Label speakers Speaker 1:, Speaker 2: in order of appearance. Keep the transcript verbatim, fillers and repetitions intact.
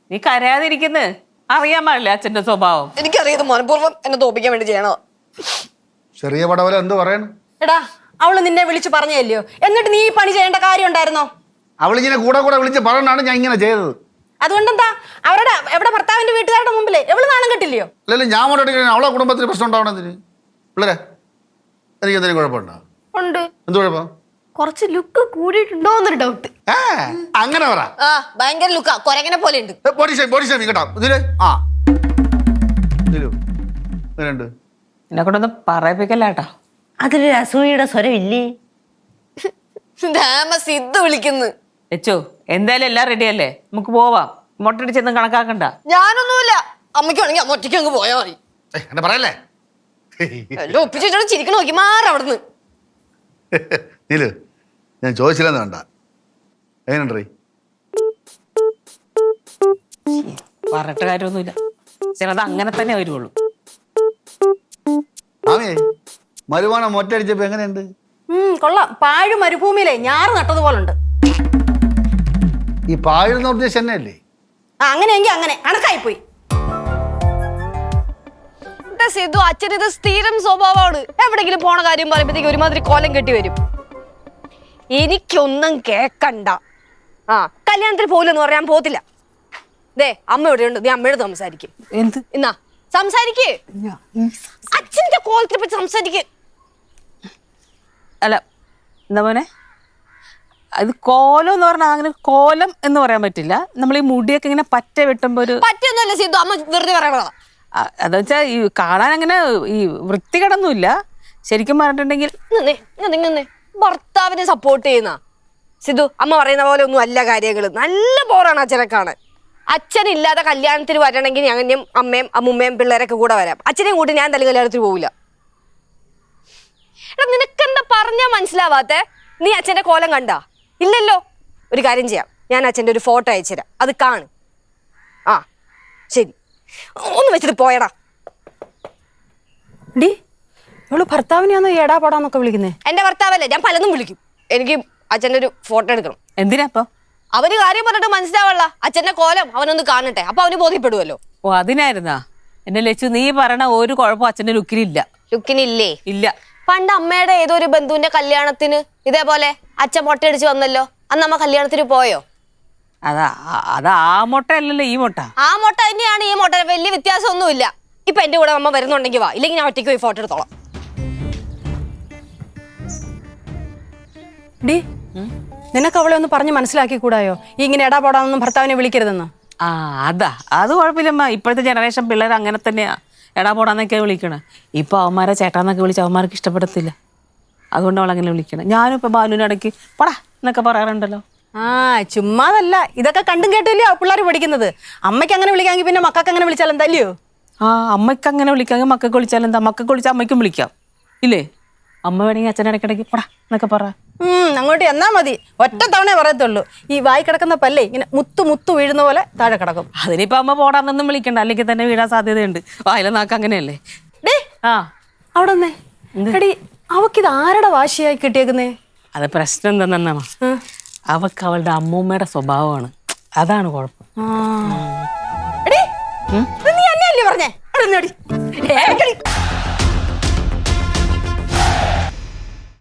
Speaker 1: നീ കരയാതിരിക്കുന്നു അറിയാൻ പാടില്ല അച്ഛന്റെ സ്വഭാവം.
Speaker 2: എനിക്കറിയത് മനഃപൂർവ്വം എന്നെ തോപ്പിക്കാൻ വേണ്ടി ചെയ്യണോ.
Speaker 3: ചെറിയ പടവല എന്ത് പറയണം?
Speaker 2: എടാ അവള് നിന്നെ വിളിച്ചു പറഞ്ഞല്ലോ, എന്നിട്ട് നീ ഈ പണി ചെയ്യേണ്ട കാര്യം ഉണ്ടായിരുന്നോ?
Speaker 3: അവളിങ്ങനെ കൂടെ കൂടെ വിളിച്ച് പറഞ്ഞാണ് ഞാൻ ഇങ്ങനെ ചെയ്തത്.
Speaker 2: അതുകൊണ്ടെന്താ അവരുടെ എവിടെ ഭർത്താവിന്റെ വീട്ടുകാരുടെ മുമ്പില് എവള് നാണം കെട്ടില്ലയോ?
Speaker 3: അല്ലല്ലോ ഞാൻ മോട്ടോട്ട് അവളെ കുടുംബത്തിന് പ്രശ്നം ഉണ്ടാവണെന്തിന്? പിള്ളേരെ എനിക്ക് എന്തെങ്കിലും കുഴപ്പമുണ്ടോ?
Speaker 2: ഉണ്ട്.
Speaker 3: എന്ത് കുഴപ്പം?
Speaker 2: കുറച്ച് ലുക്ക് കൂടിയിട്ടുണ്ടോ എന്നൊരു ഡൗട്ട്.
Speaker 3: അങ്ങനെ പറ.
Speaker 2: ആ ഭയങ്കര ലുക്കാ, കൊരങ്ങനെ പോലെ ഉണ്ട്.
Speaker 3: കേട്ടോ ഇതില് ആ ഇതിലുണ്ട്.
Speaker 1: എന്നെ കൊണ്ടൊന്നും പറയിപ്പിക്കല്ലേട്ടാ.
Speaker 4: അതൊരു അസൂയയുടെ സ്വരമില്ലേ?
Speaker 2: സിദ്ധു വിളിക്കുന്നു.
Speaker 1: വെച്ചോ എന്തായാലും എല്ലാം റെഡി അല്ലേ, നമുക്ക് പോവാം. മുട്ടടിച്ചൊന്നും കണക്കാക്കണ്ട.
Speaker 2: ഞാനൊന്നുമില്ല, അമ്മയ്ക്ക് വേണമെങ്കിൽ അമ്മ ഒറ്റയ്ക്ക് അങ്ങ് പോയാ മതി.
Speaker 3: എന്നെ പറയല്ലേ?
Speaker 2: എല്ലാം ഒപ്പിച്ചിട്ട് ചിരിക്കണ നോക്കി മാറി അവിടുന്ന്.
Speaker 3: നീലു ഞാൻ ചോദിച്ചില്ലെന്ന് വേണ്ട, എങ്ങനെയുണ്ടീ?
Speaker 1: പറഞ്ഞിട്ട് കാര്യമൊന്നുമില്ല, ചിലത് അങ്ങനെ തന്നെ വരുവുള്ളൂ.
Speaker 3: ആമേ മരുവാണം മൊറ്റടിച്ചപ്പോ എങ്ങനെയുണ്ട്?
Speaker 2: ഉം കൊള്ളാം. പാഴ് മരുഭൂമിയിലെ ഞാറ് നട്ടതുപോലുണ്ട്.
Speaker 3: ഈ പാഴുന്ന ഉദ്ദേശം തന്നെയല്ലേ?
Speaker 2: ആ അങ്ങനെയെങ്കിൽ അങ്ങനെ കണക്കായിപ്പോയി. സിദ്ധു അച്ഛൻ ഇത് സ്ഥിരം സ്വഭാവമാണ്. എവിടെങ്കിലും പോണ കാര്യം പറയുമ്പോഴത്തേക്ക് ഒരുമാതിരി കോലം കെട്ടി വരും. എനിക്കൊന്നും കേക്കണ്ട. ആ കല്യാണത്തിന് പോലെന്ന് പറയാൻ പോത്തില്ല. ദേ അമ്മ എവിടെയുണ്ട്, നീ അമ്മയോട് സംസാരിക്കും.
Speaker 1: എന്ത്
Speaker 2: എന്നാ സംസാരിക്കേ, അച്ഛന്റെ കോലത്തിനെ പറ്റി സംസാരിക്കേ.
Speaker 1: അല്ല എന്താ മോനെ, അത് കോലം എന്ന് പറഞ്ഞാൽ അങ്ങനെ കോലം എന്ന് പറയാൻ പറ്റില്ല. നമ്മൾ ഈ മുടിയൊക്കെ ഇങ്ങനെ പറ്റ വെട്ടുമ്പോ ഒരു
Speaker 2: പറ്റൊന്നുമല്ല സിദ്ധു, അമ്മ വെറുതെ പറയണതാ.
Speaker 1: അതെന്ന് വെച്ചാൽ ഈ കാണാൻ അങ്ങനെ ഈ വൃത്തികേടൊന്നുമില്ല. ശരിക്കും പറഞ്ഞിട്ടുണ്ടെങ്കിൽ
Speaker 2: ഭർത്താവിനെ സപ്പോർട്ട് ചെയ്യുന്ന സിദ്ധു, അമ്മ പറയുന്ന പോലെ ഒന്നും അല്ല കാര്യങ്ങൾ. നല്ല ബോറാണ് അച്ഛനെ കാണാൻ. അച്ഛനില്ലാതെ കല്യാണത്തിന് വരണമെങ്കിൽ ഞങ്ങനെയും അമ്മയും അമ്മുമ്മയും പിള്ളേരൊക്കെ കൂടെ വരാം. അച്ഛനെയും കൂട്ടി ഞാൻ തലി കല്യാണത്തിന് പോവില്ല. എടാ നിനക്കെന്താ പറഞ്ഞാ മനസ്സിലാവാത്തെ? നീ അച്ഛന്റെ കോലം കണ്ടാ? ഇല്ലല്ലോ. ഒരു കാര്യം ചെയ്യാം, ഞാൻ അച്ഛൻ്റെ ഒരു ഫോട്ടോ അയച്ചുതരാം, അത് കാണ്. ആ ശരി, ഒന്ന് വെച്ചിട്ട് പോയടാ. ഡി ഇവള് ഭർത്താവിനെയാണോ ഏടാ പോടാന്നൊക്കെ വിളിക്കുന്നേ? എന്റെ ഭർത്താവല്ലേ, ഞാൻ പലതും വിളിക്കും. എനിക്ക് അച്ഛൻ്റെ ഒരു ഫോട്ടോ എടുക്കണം.
Speaker 1: എന്തിനാ അപ്പൊ?
Speaker 2: അവന് കാര്യം പറഞ്ഞിട്ട് മനസ്സിലാവള്ള, അച്ഛന്റെ കോലം അവനൊന്ന് കാണട്ടെ, അപ്പൊ അവന് ബോധ്യപ്പെടുവല്ലോ.
Speaker 1: ഓ അതിനായിരുന്നാ? എന്നെ ലച്ചു നീ പറയണ ഒരു കുഴപ്പം അച്ഛന്റെ ലുക്കിനില്ല.
Speaker 2: ലുക്കിനില്ലേ?
Speaker 1: ഇല്ല.
Speaker 2: പണ്ട് അമ്മയുടെ ഏതോ ഒരു ബന്ധുവിന്റെ കല്യാണത്തിന് ഇതേപോലെ അച്ഛൻ മൊട്ടയടിച്ച് വന്നല്ലോ, അന്ന് അമ്മ കല്യാണത്തിന് പോയോ?
Speaker 1: അതാ അത് ആ മുട്ട അല്ലല്ലോ ഈ മുട്ട.
Speaker 2: ആ മുട്ട തന്നെയാണ് ഈ മുട്ട, വലിയ വ്യത്യാസമൊന്നുമില്ല. ഇപ്പൊ എന്റെ കൂടെ അമ്മ വരുന്നുണ്ടെങ്കിൽ വാ, ഇല്ലെങ്കിൽ ഞാൻ ഒറ്റയ്ക്ക് പോയി ഫോട്ടോ എടുത്തോളാം. ഡി നിനക്ക് അവളെ ഒന്ന് പറഞ്ഞ് മനസ്സിലാക്കി കൂടായോ, ഇങ്ങനെ എടാ പോടാന്നൊന്നും ഭർത്താവിനെ വിളിക്കരുതെന്ന്?
Speaker 1: ആ അതാ അത് കുഴപ്പമില്ലമ്മ. ഇപ്പോഴത്തെ ജനറേഷൻ പിള്ളേർ അങ്ങനെ തന്നെയാ, എടാ പോടാന്നൊക്കെ വിളിക്കണം. ഇപ്പൊ അവന്മാരെ ചേട്ടാന്നൊക്കെ വിളിച്ച് അവന്മാർക്ക് ഇഷ്ടപ്പെടത്തില്ല, അതുകൊണ്ട് അവളങ്ങനെ വിളിക്കണം. ഞാനും ഇപ്പൊ ബാലുവിനിടയ്ക്ക് പടാ എന്നൊക്കെ പറയാറുണ്ടല്ലോ.
Speaker 2: ആ ചുമ്മാതല്ല, ഇതൊക്കെ കണ്ടും കേട്ടില്ലയോ പിള്ളേർ പഠിക്കുന്നത്. അമ്മയ്ക്ക് അങ്ങനെ വിളിക്കാമെങ്കിൽ പിന്നെ മക്കൾക്ക് അങ്ങനെ വിളിച്ചാൽ എന്താല്ലയോ?
Speaker 1: ആ അമ്മയ്ക്ക് അങ്ങനെ വിളിക്കാമെങ്കിൽ മക്കൾക്ക് വിളിച്ചാൽ എന്താ, മക്കൾക്ക് വിളിച്ചാൽ അമ്മയ്ക്കും വിളിക്കാം ഇല്ലേ? അമ്മ വേണമെങ്കിൽ അച്ഛനിടയ്ക്കിടയ്ക്ക് പടാ എന്നൊക്കെ പറ.
Speaker 2: ഉം അങ്ങോട്ട് എന്നാ മതി, ഒറ്റ തവണ പറയത്തുള്ളൂ. ഈ വായി കിടക്കുന്ന പല്ലേ ഇങ്ങനെ മുത്തു മുത്തു വീഴുന്ന പോലെ താഴെ കിടക്കും.
Speaker 1: അതിനിപ്പോ അമ്മ പോടാന്നൊന്നും വിളിക്കണ്ട, അല്ലെങ്കിൽ തന്നെ വീഴാൻ സാധ്യതയുണ്ട്. വായിലെ നാക്ക് അങ്ങനെയല്ലേ. ആ
Speaker 2: അവിടെ നിന്നേ എടി, അവക്കിത് ആരുടെ വാശിയായി കിട്ടിയേക്കുന്നേ?
Speaker 1: അത് പ്രശ്നം എന്താണെന്നാ, അവക്ക് അവളുടെ അമ്മൂമ്മയുടെ സ്വഭാവമാണ്, അതാണ് കുഴപ്പം.
Speaker 2: എടി നീ എന്നെയല്ലേ പറഞ്ഞേ?